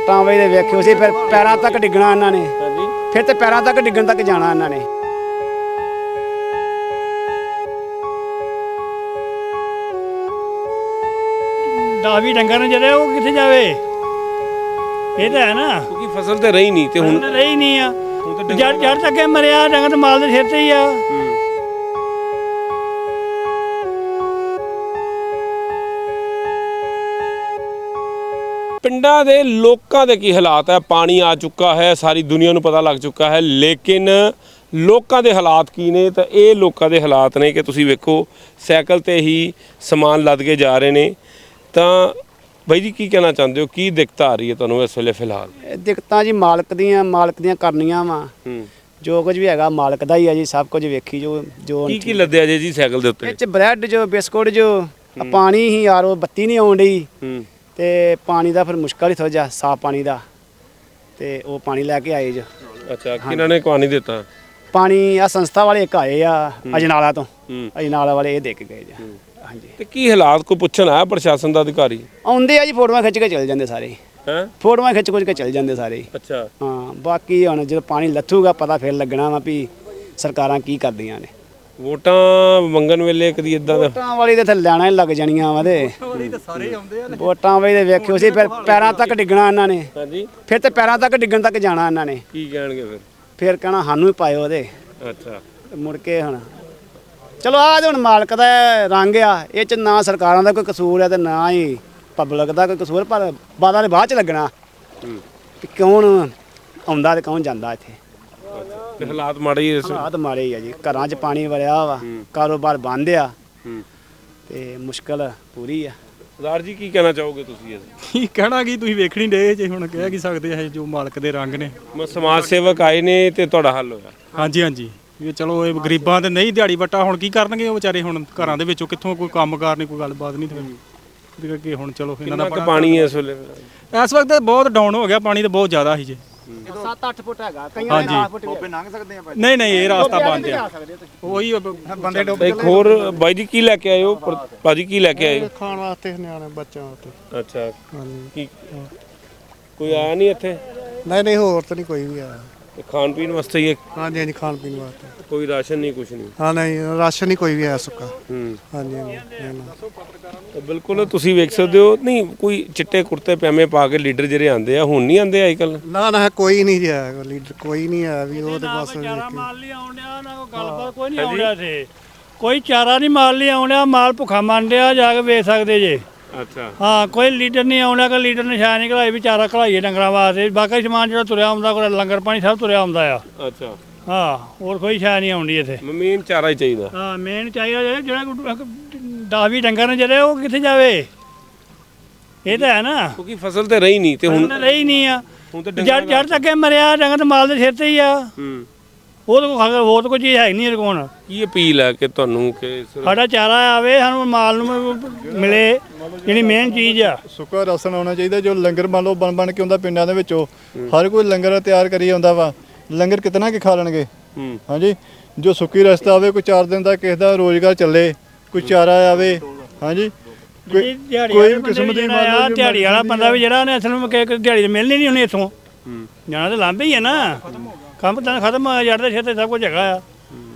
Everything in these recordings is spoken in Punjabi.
ਵੋਟਾਂ ਵੇਲੇ ਵੇਖਿਓ ਸੀ, ਫਿਰ ਪੈਰਾਂ ਤੱਕ ਡਿੱਗਣਾ ਇਹਨਾਂ ਨੇ। ਫਿਰ ਤੇ ਪੈਰਾਂ ਤੱਕ ਡਿੱਗਣ ਤੱਕ ਜਾਣਾ ਇਹਨਾਂ ਨੇ। ਦਾਵੀ ਡੰਗਰ ਨੇ ਜਿਹੜੇ ਉਹ ਕਿੱਥੇ ਜਾਵੇ? ਇਹ ਤਾਂ ਹੈ ਨਾ, ਕਿਉਂਕਿ ਫਸਲ ਤੇ ਰਹੀ ਨਹੀਂ ਤੇ ਹੁਣ ਰਹੀ ਨਹੀਂ ਆ। ਜੜ ਤੱਕ ਮਰਿਆ ਡੰਗਰ ਤੇ ਮਾਲ ਦੇ ਸਿਰ ਤੇ ਹੀ ਆ। ਪਿੰਡਾਂ ਦੇ ਲੋਕਾਂ ਦੇ ਕੀ ਹਾਲਾਤ ਹੈ? ਪਾਣੀ ਆ ਚੁੱਕਾ ਹੈ, ਸਾਰੀ ਦੁਨੀਆ ਨੂੰ ਪਤਾ ਲੱਗ ਚੁੱਕਾ ਹੈ, ਲੇਕਿਨ ਲੋਕਾਂ ਦੇ ਹਾਲਾਤ ਕੀ ਨੇ? ਤਾਂ ਇਹ ਲੋਕਾਂ ਦੇ ਹਾਲਾਤ ਨੇ ਕਿ ਤੁਸੀਂ ਵੇਖੋ ਸਾਈਕਲ ਤੇ ਹੀ ਸਮਾਨ ਲੱਦ ਕੇ ਜਾ ਰਹੇ ਨੇ। ਤਾਂ ਬਾਈ ਜੀ ਕੀ ਕਹਿਣਾ ਚਾਹੁੰਦੇ ਹੋ? ਕੀ ਦਿੱਕਤ ਆ ਰਹੀ ਹੈ ਤੁਹਾਨੂੰ ਇਸ ਵੇਲੇ ਫਿਲਹਾਲ? ਦਿੱਕਤਾਂ ਜੀ ਮਾਲਕ ਦੀਆਂ ਕਰਨੀਆਂ ਵਾ। ਜੋ ਕੁਝ ਵੀ ਹੈਗਾ ਮਾਲਕ ਦਾ ਹੀ ਆ ਜੀ। ਸਭ ਕੁਝ ਵੇਖੀ ਜੋ ਕੀ ਲੱਦਿਆ ਜੇ ਜੀ ਸਾਈਕਲ ਦੇ ਉੱਤੇ? ਇਹ 'ਚ ਬ੍ਰੈਡ ਜੋ ਬਿਸਕੁਟ ਜੋ ਪਾਣੀ ਹੀ ਯਾਰ, ਉਹ ਬੱਤੀ ਨਹੀਂ ਆਉਣ ਡਈ ਤੇ ਪਾਣੀ ਦਾ ਫਿਰ ਮੁਸ਼ਕਲ ਹੀ ਥੋੜ੍ਹਾ ਜਿਹਾ, ਸਾਫ਼ ਪਾਣੀ ਦਾ। ਤੇ ਉਹ ਪਾਣੀ ਲੈ ਕੇ ਆਏ ਜੋ। ਅੱਛਾ, ਕਿਹਨਾਂ ਨੇ ਪਾਣੀ ਦਿੱਤਾ? ਪਾਣੀ ਆ ਸੰਸਥਾ ਵਾਲੇ ਇੱਕ ਆਏ ਆ ਅਜਨਾਲਾ ਤੋਂ। ਅਜਨਾਲਾ ਵਾਲੇ ਇਹ ਦੇ ਕੇ ਗਏ ਜੀ। ਹਾਂਜੀ। ਤੇ ਕੀ ਹਾਲਾਤ ਕੋਈ ਪੁੱਛਣ ਆਇਆ ਪ੍ਰਸ਼ਾਸਨ ਦਾ ਅਧਿਕਾਰੀ? ਆਉਂਦੇ ਆ ਜੀ, ਫੋਟੋਆਂ ਖਿੱਚ ਕੇ ਚਲੇ ਜਾਂਦੇ ਸਾਰੇ। ਹੈ ਫੋਟੋਆਂ ਖਿੱਚ ਕੇ ਚਲੇ ਜਾਂਦੇ ਸਾਰੇ। ਅੱਛਾ। ਹਾਂ, ਬਾਕੀ ਹੁਣ ਜਦੋਂ ਪਾਣੀ ਲੱਥੂਗਾ ਪਤਾ ਫਿਰ ਲੱਗਣਾ ਵਾ ਵੀ ਸਰਕਾਰਾਂ ਕੀ ਕਰਦੀਆਂ ਨੇ। ਵੋਟਾਂ ਮੰਗਣ ਵੇਲੇ ਕਦੀ ਇਦਾਂ ਦਾ ਵੋਟਾਂ ਵਾਲੀ ਤੇ ਲੈਣਾ ਹੀ ਲੱਗ ਜਾਣੀਆਂ ਵਾ ਤੇ ਵੋਟਾਂ ਵਾਲੀ ਤੇ ਵੇਖਿਓ ਸੀ, ਫਿਰ ਪੈਰਾਂ ਤੱਕ ਡਿੱਗਣਾ ਇਹਨਾਂ ਨੇ। ਹਾਂਜੀ। ਫਿਰ ਤੇ ਪੈਰਾਂ ਤੱਕ ਡਿੱਗਣ ਤੱਕ ਜਾਣਾ ਇਹਨਾਂ ਨੇ। ਕੀ ਕਹਿਣਗੇ ਫਿਰ ਕਹਿਣਾ ਸਾਨੂੰ ਹੀ ਪਾਇਓ ਉਹਦੇ। ਅੱਛਾ। ਮੁੜ ਕੇ ਹੁਣ ਚਲੋ ਆਹ ਹੁਣ ਮਾਲਕ ਦਾ ਰੰਗ ਆ। ਇਹ 'ਚ ਨਾ ਸਰਕਾਰਾਂ ਦਾ ਕੋਈ ਕਸੂਰ ਹੈ ਤੇ ਨਾ ਹੀ ਪਬਲਿਕ ਦਾ ਕੋਈ ਕਸੂਰ। ਪਰ ਬਾਦਾਂ ਨੇ ਬਾਅਦ 'ਚ ਲੱਗਣਾ ਕਿ ਕੌਣ ਆਉਂਦਾ ਤੇ ਕੌਣ ਜਾਂਦਾ ਇੱਥੇ। ਤੇ ਹਾਲਾਤ ਮਾੜੇ ਹੀ ਹਾਲਾਤ ਮਾੜੇ ਹੀ ਆ ਜੀ। ਘਰਾਂ 'ਚ ਪਾਣੀ ਵੜਿਆ ਵਾ, ਕਾਰੋਬਾਰ ਬੰਦ ਆ ਤੇ ਮੁਸ਼ਕਲ ਪੂਰੀ ਆ। ਸਰਦਾਰ ਜੀ ਕੀ ਕਹਿਣਾ ਚਾਹੋਗੇ ਤੁਸੀਂ? ਕੀ ਕਹਿਣਾ ਕੀ, ਤੁਸੀਂ ਵੇਖਣੀ ਡੇ ਜੇ, ਹੁਣ ਕਹਿ ਕੀ ਸਕਦੇ ਆ, ਜੋ ਮਾਲਕ ਦੇ ਰੰਗ ਨੇ। ਸਮਾਜ ਸੇਵਕ ਆਏ ਨੇ ਤੇ ਤੁਹਾਡਾ ਹੱਲ ਹੋਇਆ? ਹਾਂਜੀ ਹਾਂਜੀ, ਇਹ ਚਲੋ ਇਹ ਗਰੀਬਾਂ ਦੇ ਨਹੀਂ ਦਿਹਾੜੀ ਵੱਟਾ, ਹੁਣ ਕੀ ਕਰਨਗੇ ਉਹ ਵਿਚਾਰੇ? ਹੁਣ ਘਰਾਂ ਦੇ ਵਿੱਚੋਂ ਕਿੱਥੋਂ ਕੋਈ ਕੰਮਕਾਰ ਨਹੀਂ, ਕੋਈ ਗੱਲਬਾਤ ਨਹੀਂ। ਤੇ ਕਰਕੇ ਹੁਣ ਚਲੋ ਇਹਨਾਂ ਦਾ ਪਾਣੀ ਇਸ ਵੇਲੇ ਇਸ ਵਕਤ ਬਹੁਤ ਡਾਊਨ ਹੋ ਗਿਆ ਪਾਣੀ, ਤਾਂ ਬਹੁਤ ਜ਼ਿਆਦਾ ਸੀ ਜੀ। 7-8 ਫੁੱਟ ਹੈਗਾ, ਕਈਆਂ ਦੇ 8 ਫੁੱਟ ਵੀ ਲੰਘ ਸਕਦੇ ਆ। ਨਹੀਂ ਨਹੀਂ, ਇਹ ਰਸਤਾ ਬੰਦ ਆ। ਉਹੀ ਬੰਦੇ ਡੁੱਬ। ਇੱਕ ਹੋਰ ਬਾਈ ਜੀ ਕੀ ਲੈ ਕੇ ਆਏ ਹੋ? ਭਾਜੀ ਕੀ ਲੈ ਕੇ ਆਏ? ਖਾਣ ਵਾਸਤੇ, ਨਿਆਣੇ ਬੱਚਿਆਂ ਵਾਸਤੇ। ਅੱਛਾ। ਕੀ ਕੋਈ ਆਇਆ ਨਹੀਂ ਇੱਥੇ? ਨਹੀਂ ਹੋਰ ਤਾਂ ਨਹੀਂ ਕੋਈ ਵੀ ਆਇਆ। ਖਾਣ ਪੀਣ ਵਾਸਤੇ ਹੀ? ਹਾਂਜੀ ਹਾਂਜੀ, ਖਾਣ ਪੀਣ ਵਾਸਤੇ। ਕੋਈ ਰਾਸ਼ਨ ਨਹੀਂ, ਕੁਛ ਨਹੀਂ? ਹਾਂ ਨਹੀਂ, ਰਾਸ਼ਨ ਨਹੀਂ ਕੋਈ ਵੀ ਆਇਆ ਸੁੱਕਾ। ਹਾਂਜੀ ਬਿਲਕੁਲ ਤੁਸੀਂ ਵੇਖ ਸਕਦੇ ਹੋ। ਨਹੀਂ ਕੋਈ ਚਿੱਟੇ ਕੁੜਤੇ ਪਜਾਮੇ ਪਾ ਕੇ ਲੀਡਰ ਜਿਹੜੇ ਆਉਂਦੇ ਆ, ਹੁਣ ਨਹੀਂ ਆਉਂਦੇ ਅੱਜ ਕੱਲ? ਨਾ ਕੋਈ ਨਹੀਂ ਜੀ ਆਇਆ, ਲੀਡਰ ਕੋਈ ਨਹੀਂ ਆਇਆ ਵੀ। ਉਹ ਤੇ ਬਸ ਚਾਰਾ ਮਾਲ ਲਈ ਆਉਣ ਡਿਆ, ਨਾ ਕੋਈ ਗੱਲਬਾਤ ਕੋਈ ਨਹੀਂ ਆਉਣ ਡਿਆ ਇੱਥੇ। ਕੋਈ ਚਾਰਾ ਨਹੀਂ ਮਾਲ ਲਈ ਆਉਣ ਡਿਆ, ਮਾਲ ਭੁੱਖਾ ਮੰਨ ਡਿਆ, ਜਾ ਕੇ ਵੇਚ ਸਕਦੇ ਜੇ। ਅੱਛਾ। ਹਾਂ, ਕੋਈ ਲੀਡਰ ਨਹੀਂ ਆਉਣਾ ਕਿ ਲੀਡਰ ਨੇ ਸ਼ਾਇਦ ਨਹੀਂ ਘਲਾਈ ਵੀ ਚਾਰਾ ਘਲਾਈਏ ਡੰਗਰਾਂ ਵਾਸਤੇ। ਬਾਕੀ ਸਮਾਨ ਜਿਹੜਾ ਤੁਰਿਆ ਆਉਂਦਾ, ਕੋਈ ਲੰਗਰ ਪਾਣੀ ਸਭ ਤੁਰਿਆ ਆਉਂਦਾ ਆ। ਅੱਛਾ। ਹਾਂ, ਹੋਰ ਕੋਈ ਸ਼ਾਇਦ ਨਹੀਂ ਆਉਂਦੀ ਇੱਥੇ। ਮੇਨ ਚਾਰਾ ਹੀ ਚਾਹੀਦਾ। ਹਾਂ, ਮੇਨ ਚਾਹੀਦਾ ਜਿਹੜਾ 10-20 ਡੰਗਰ ਨੇ ਜਿਹੜੇ ਉਹ ਕਿੱਥੇ ਜਾਵੇ? ਇਹ ਤਾਂ ਹੈ ਨਾ, ਕਿਉਂਕਿ ਫਸਲ ਤੇ ਰਹੀ ਨਹੀਂ ਤੇ ਹੁਣ ਰਹੀ ਨਹੀਂ ਆ। ਹੁਣ ਤਾਂ ਜੜ ਤੱਕ ਮਰਿਆ ਡੰਗਰ ਤੇ ਮਾਲ ਦੇ ਸਿਰ ਤੇ ਹੀ ਆ। ਉਹ ਤਾਂ ਹੋਰ ਤਾਂ ਕੋਈ ਚੀਜ਼ ਹੈ ਨਹੀਂ ਇਹਦੇ ਕੋਲ। ਕੀ ਅਪੀਲ ਹੈ ਕਿ ਤੁਹਾਨੂੰ ਕਿ ਸਾਡਾ ਚਾਰਾ ਆਵੇ, ਸਾਨੂੰ ਮਾਲ ਨੂੰ ਮਿਲੇ, ਜਿਹੜੀ ਮੇਨ ਚੀਜ਼ ਆ। ਸੁੱਕਾ ਰਾਸ਼ਨ ਆਉਣਾ ਚਾਹੀਦਾ। ਜੋ ਲੰਗਰ ਮੰਨ ਲਓ ਬਣ ਕੇ ਆਉਂਦਾ ਪਿੰਡਾਂ ਦੇ ਵਿੱਚੋਂ, ਹਰ ਕੋਈ ਲੰਗਰ ਤਿਆਰ ਕਰੀ ਆਉਂਦਾ ਵਾ। ਲੰਗਰ ਕਿਤਨਾ ਕਿ ਖਾ ਲੈਣਗੇ? ਹਾਂਜੀ। ਜੋ ਸੁੱਕੀ ਰਸਤਾ ਆਵੇ, ਕੋਈ 4 ਦਿਨ ਦਾ ਕਿਸੇ ਦਾ ਰੋਜ਼ਗਾਰ ਚੱਲੇ, ਕੋਈ ਚਾਰਾ ਆਵੇ। ਹਾਂਜੀ। ਕੋਈ ਕਿਸਮ ਦੀ ਦਿਹਾੜੀ ਵਾਲਾ ਬੰਦਾ ਵੀ ਜਿਹੜਾ ਉਹਨੇ ਅਸਲ ਵਿੱਚ ਦਿਹਾੜੀ ਮਿਲਣੀ ਨਹੀਂ, ਉਹਨੇ ਇੱਥੋਂ ਜਾਣਾ ਤਾਂ ਲਾਂਭੇ ਹੀ ਆ ਨਾ। ਕੰਮ ਤਾਂ ਖਤਮ ਹੋ ਜੜ ਦੇ ਸਿਰ ਤੇ ਸਭ ਕੁਝ ਹੈਗਾ ਆ।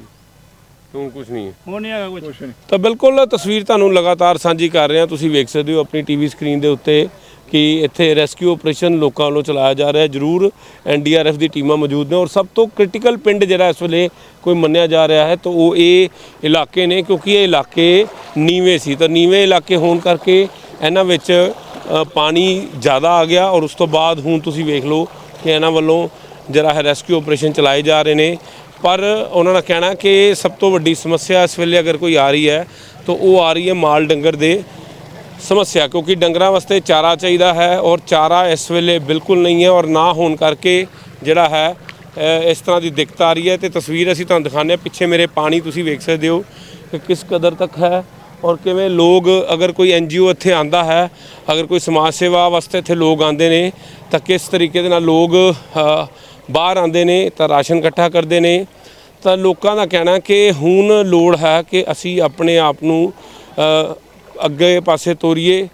ਹੁਣ ਕੁਝ ਨਹੀਂ ਹੈ, ਉਹ ਨਹੀਂ ਹੈਗਾ ਕੁਝ। ਤਾਂ ਬਿਲਕੁਲ ਤਸਵੀਰ ਤੁਹਾਨੂੰ ਲਗਾਤਾਰ ਸਾਂਝੀ ਕਰ ਰਹੇ ਹਾਂ। ਤੁਸੀਂ ਵੇਖ ਸਕਦੇ ਹੋ ਆਪਣੀ ਟੀਵੀ ਸਕਰੀਨ ਦੇ ਉੱਤੇ ਕਿ ਇੱਥੇ ਰੈਸਕਿਊ ਆਪਰੇਸ਼ਨ ਲੋਕਾਂ ਵੱਲੋਂ ਚਲਾਇਆ ਜਾ ਰਿਹਾ। ਜ਼ਰੂਰ NDRF ਦੀ ਟੀਮਾਂ ਮੌਜੂਦ ਨੇ ਔਰ ਸਭ ਤੋਂ ਕ੍ਰਿਟੀਕਲ ਪਿੰਡ ਜਿਹੜਾ ਇਸ ਵੇਲੇ ਕੋਈ ਮੰਨਿਆ ਜਾ ਰਿਹਾ ਹੈ ਤਾਂ ਉਹ ਇਹ ਇਲਾਕੇ ਨੇ, ਕਿਉਂਕਿ ਇਹ ਇਲਾਕੇ ਨੀਵੇਂ ਸੀ। ਤਾਂ ਨੀਵੇਂ ਇਲਾਕੇ ਹੋਣ ਕਰਕੇ ਇਹਨਾਂ ਵਿੱਚ ਪਾਣੀ ਜ਼ਿਆਦਾ ਆ ਗਿਆ ਔਰ ਉਸ ਤੋਂ ਬਾਅਦ ਹੁਣ ਤੁਸੀਂ ਵੇਖ ਲਓ ਕਿ ਇਹਨਾਂ ਵੱਲੋਂ ਜਿਹੜਾ ਹੈ ਰੈਸਕਿਊ ਆਪਰੇਸ਼ਨ ਚਲਾਏ ਜਾ ਰਹੇ ਨੇ। ਪਰ ਉਹਨਾਂ ਦਾ ਕਹਿਣਾ ਕਿ ਸਭ ਤੋਂ ਵੱਡੀ ਸਮੱਸਿਆ ਇਸ ਵੇਲੇ ਅਗਰ ਕੋਈ ਆ ਰਹੀ ਹੈ ਤਾਂ ਉਹ ਆ ਰਹੀ ਹੈ ਮਾਲ ਡੰਗਰ ਦੇ ਸਮੱਸਿਆ, ਕਿਉਂਕਿ ਡੰਗਰਾਂ ਵਾਸਤੇ ਚਾਰਾ ਚਾਹੀਦਾ ਹੈ ਔਰ ਚਾਰਾ ਇਸ ਵੇਲੇ ਬਿਲਕੁਲ ਨਹੀਂ ਹੈ ਔਰ ਨਾ ਹੋਣ ਕਰਕੇ ਜਿਹੜਾ ਹੈ ਇਸ ਤਰ੍ਹਾਂ ਦੀ ਦਿੱਕਤ ਆ ਰਹੀ ਹੈ। ਤੇ ਤਸਵੀਰ ਅਸੀਂ ਤੁਹਾਨੂੰ ਦਿਖਾਉਂਦੇ ਹਾਂ। ਪਿੱਛੇ ਮੇਰੇ ਪਾਣੀ ਤੁਸੀਂ ਵੇਖ ਸਕਦੇ ਹੋ ਕਿ ਕਿਸ ਕਦਰ ਤੱਕ ਹੈ ਔਰ ਕਿਵੇਂ ਲੋਕ, ਅਗਰ ਕੋਈ NGO ਇੱਥੇ ਆਂਦਾ ਹੈ, ਅਗਰ ਕੋਈ ਸਮਾਜ ਸੇਵਾ ਵਾਸਤੇ ਇੱਥੇ ਲੋਕ ਆਉਂਦੇ ਨੇ ਤਾਂ ਕਿਸ ਤਰੀਕੇ ਦੇ ਨਾਲ ਲੋਕ ਬਾਹਰ ਆਉਂਦੇ ਨੇ ਤਾਂ ਰਾਸ਼ਨ ਇਕੱਠਾ ਕਰਦੇ ਨੇ। ਤਾਂ ਲੋਕਾਂ ਦਾ ਕਹਿਣਾ ਕਿ ਹੁਣ ਲੋੜ ਹੈ ਕਿ ਅਸੀਂ ਆਪਣੇ ਆਪ ਨੂੰ ਅੱਗੇ ਪਾਸੇ ਤੋਰੀਏ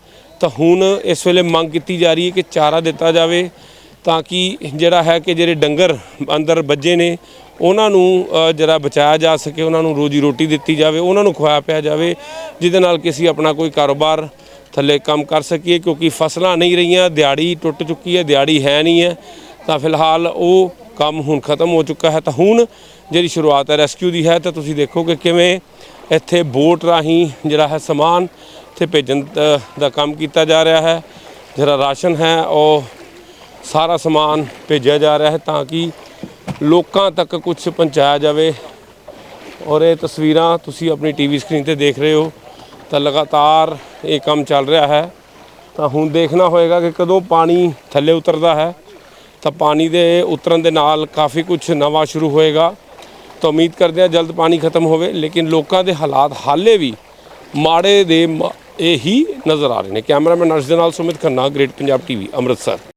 ਤਾਂ ਹੁਣ ਇਸ ਵੇਲੇ ਮੰਗ ਕੀਤੀ ਜਾ ਰਹੀ ਹੈ ਕਿ ਚਾਰਾ ਦਿੱਤਾ ਜਾਵੇ ਤਾਂ ਕਿ ਜਿਹੜਾ ਹੈ ਕਿ ਜਿਹੜੇ ਡੰਗਰ ਅੰਦਰ ਵੱਜੇ ਨੇ ਉਹਨਾਂ ਨੂੰ ਜਿਹੜਾ ਬਚਾਇਆ ਜਾ ਸਕੇ, ਉਹਨਾਂ ਨੂੰ ਰੋਜੀ ਰੋਟੀ ਦਿੱਤੀ ਜਾਵੇ, ਉਹਨਾਂ ਨੂੰ ਖਵਾਇਆ ਪਿਆ ਜਾਵੇ, ਜਿਹਦੇ ਨਾਲ ਕਿ ਅਸੀਂ ਆਪਣਾ ਕੋਈ ਕਾਰੋਬਾਰ ਥੱਲੇ ਕੰਮ ਕਰ ਸਕੀਏ। ਕਿਉਂਕਿ ਫਸਲਾਂ ਨਹੀਂ ਰਹੀਆਂ, ਦਿਹਾੜੀ ਟੁੱਟ ਚੁੱਕੀ ਹੈ, ਦਿਹਾੜੀ ਹੈ ਨਹੀਂ ਹੈ, ਤਾਂ ਫਿਲਹਾਲ ਉਹ ਕੰਮ ਹੁਣ ਖਤਮ ਹੋ ਚੁੱਕਾ ਹੈ। ਤਾਂ ਹੁਣ ਜਿਹੜੀ ਸ਼ੁਰੂਆਤ ਹੈ ਰੈਸਕਿਊ ਦੀ ਹੈ, ਤਾਂ ਤੁਸੀਂ ਦੇਖੋ ਕਿ ਕਿਵੇਂ ਇੱਥੇ ਬੋਟ ਰਾਹੀਂ ਜਿਹੜਾ ਹੈ ਸਮਾਨ ਇੱਥੇ ਭੇਜਣ ਦਾ ਕੰਮ ਕੀਤਾ ਜਾ ਰਿਹਾ ਹੈ। ਜਿਹੜਾ ਰਾਸ਼ਨ ਹੈ ਉਹ ਸਾਰਾ ਸਮਾਨ ਭੇਜਿਆ ਜਾ ਰਿਹਾ ਹੈ ਤਾਂ ਕਿ ਲੋਕਾਂ ਤੱਕ ਕੁਝ ਪਹੁੰਚਾਇਆ ਜਾਵੇ। ਔਰ ਇਹ ਤਸਵੀਰਾਂ ਤੁਸੀਂ ਆਪਣੀ ਟੀਵੀ ਸਕਰੀਨ ਤੇ ਦੇਖ ਰਹੇ ਹੋ, ਤਾਂ ਲਗਾਤਾਰ ਇਹ ਕੰਮ ਚੱਲ ਰਿਹਾ ਹੈ। ਤਾਂ ਹੁਣ ਦੇਖਣਾ ਹੋਏਗਾ ਕਿ ਕਦੋਂ ਪਾਣੀ ਥੱਲੇ ਉਤਰਦਾ ਹੈ, ਤਾਂ ਪਾਣੀ ਦੇ ਉਤਰਨ ਦੇ ਨਾਲ ਕਾਫੀ ਕੁਝ ਨਵਾਂ ਸ਼ੁਰੂ ਹੋਏਗਾ। ਤਾਂ ਉਮੀਦ ਕਰਦੇ ਹਾਂ ਜਲਦ ਪਾਣੀ ਖਤਮ ਹੋਵੇ, ਲੇਕਿਨ ਲੋਕਾਂ ਦੇ ਹਾਲਾਤ ਹਾਲੇ ਵੀ ਮਾੜੇ ਦੇ ਇਹ ਹੀ ਨਜ਼ਰ ਆ ਰਹੇ ਨੇ। ਕੈਮਰਾਮੈਨ ਅਰਸ਼ ਦੇ ਨਾਲ ਸੁਮਿਤ ਖੰਨਾ, ਗ੍ਰੇਟ ਪੰਜਾਬ ਟੀਵੀ, ਅੰਮ੍ਰਿਤਸਰ।